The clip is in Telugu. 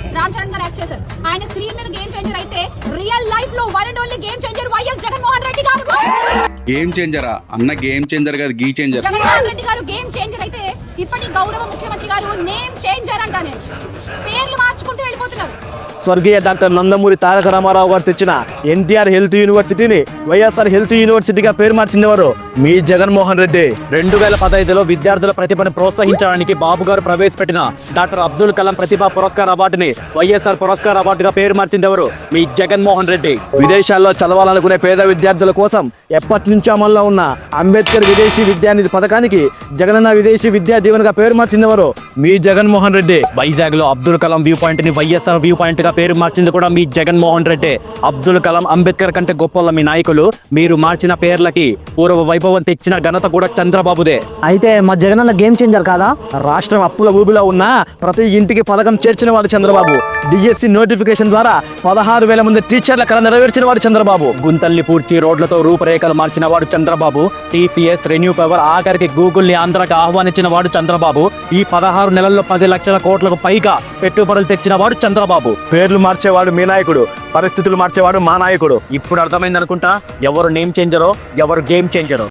రామ్ చరణ్ గారు యాక్ట్ చేశారు. ఆయన స్క్రీన్ మీద గేమ్ చేంజర్ అయితే రియల్ లైఫ్ లో one and only game changer YS Jaganmohan Reddy గారు. గేమ్ చేంజరా అన్న? గేమ్ చేంజర్ కాదు, గీ చేంజర్. జగన్మోహన్ రెడ్డి గారు గేమ్ చేంజర్ అయితే ఇప్పటి గౌరవ ముఖ్యమంత్రి గారు నేమ్ చేంజర్ అంటానే పేర్లు మార్చుకుంటూ వెళ్ళిపోతున్నారు. స్వర్గీయ డాక్టర్ నందమూరి తారక రామారావు గారు తెచ్చిన ఎన్టీఆర్ హెల్త్ యూనివర్సిటీని వైఎస్ఆర్ హెల్త్ యూనివర్సిటీగా పేరు మార్చిందెవరు? మీ జగన్మోహన్ రెడ్డి. 2015లో విద్యార్థుల ప్రతిభను ప్రోత్సహించడానికి బాబు గారు ప్రవేశపెట్టిన డాక్టర్ అబ్దుల్ కలాం ప్రతిభా పురస్కార్ అవార్డుని వైఎస్ఆర్ పురస్కార్ అవార్డుగా పేరు మార్చిందెవరు? మీ జగన్మోహన్ రెడ్డి. విదేశాల్లో చదవాలనుకునే పేద విద్యార్థుల కోసం ఎప్పటి నుంచో అమల్లో ఉన్న అంబేద్కర్ విదేశీ విద్యానిధి పథకానికి జగనన్న విదేశీ విద్యా దీవెనగా పేరు మార్చిందెవరు? మీ జగన్మోహన్ రెడ్డి. వైజాగ్ లో అబ్దుల్ కలాం వ్యూ పాయింట్ ని వైఎస్ఆర్ వ్యూ పాయింట్ గా పేరు మార్చింది కూడా మీ జగన్మోహన్ రెడ్డి. అబ్దుల్ కలాం, అంబేద్కర్ కంటే గొప్ప మీ నాయకులు. మీరు మార్చిన పేర్లకి పూర్వ వైభవం తెచ్చిన ఘనత కూడా చంద్రబాబుదే. అయితే మా జగనన్న గేమ్ చేంజర్ కాదా? రాష్ట్రం అప్పుల ఊబిలో ఉన్న ప్రతి ఇంటికి పథకం చేర్చిన వాడు చంద్రబాబు. డిఎస్సి నోటిఫికేషన్ ద్వారా 16,000 మంది టీచర్ల కళ నెరవేర్చిన వాడు చంద్రబాబు. గుంతల్ని పూడ్చి రోడ్లతో రూపురేఖలు మార్చిన వాడు చంద్రబాబు. టీసీఎస్, రెన్యూ పవర్, ఆఖరికి గూగుల్ ని ఆంధ్రాకి ఆహ్వానించిన వాడు చంద్రబాబు. ఈ 16 నెలల్లో 10 లక్షల కోట్లకు పైగా పెట్టుబడులు తెచ్చిన వాడు చంద్రబాబు. పేర్లు మార్చేవాడు మీ నాయకుడు, పరిస్థితులు మార్చేవాడు మా నాయకుడు. ఇప్పుడు అర్థమైంది అనుకుంటా ఎవరు నేమ్ చేంజరో, ఎవరు గేమ్ చేంజరో.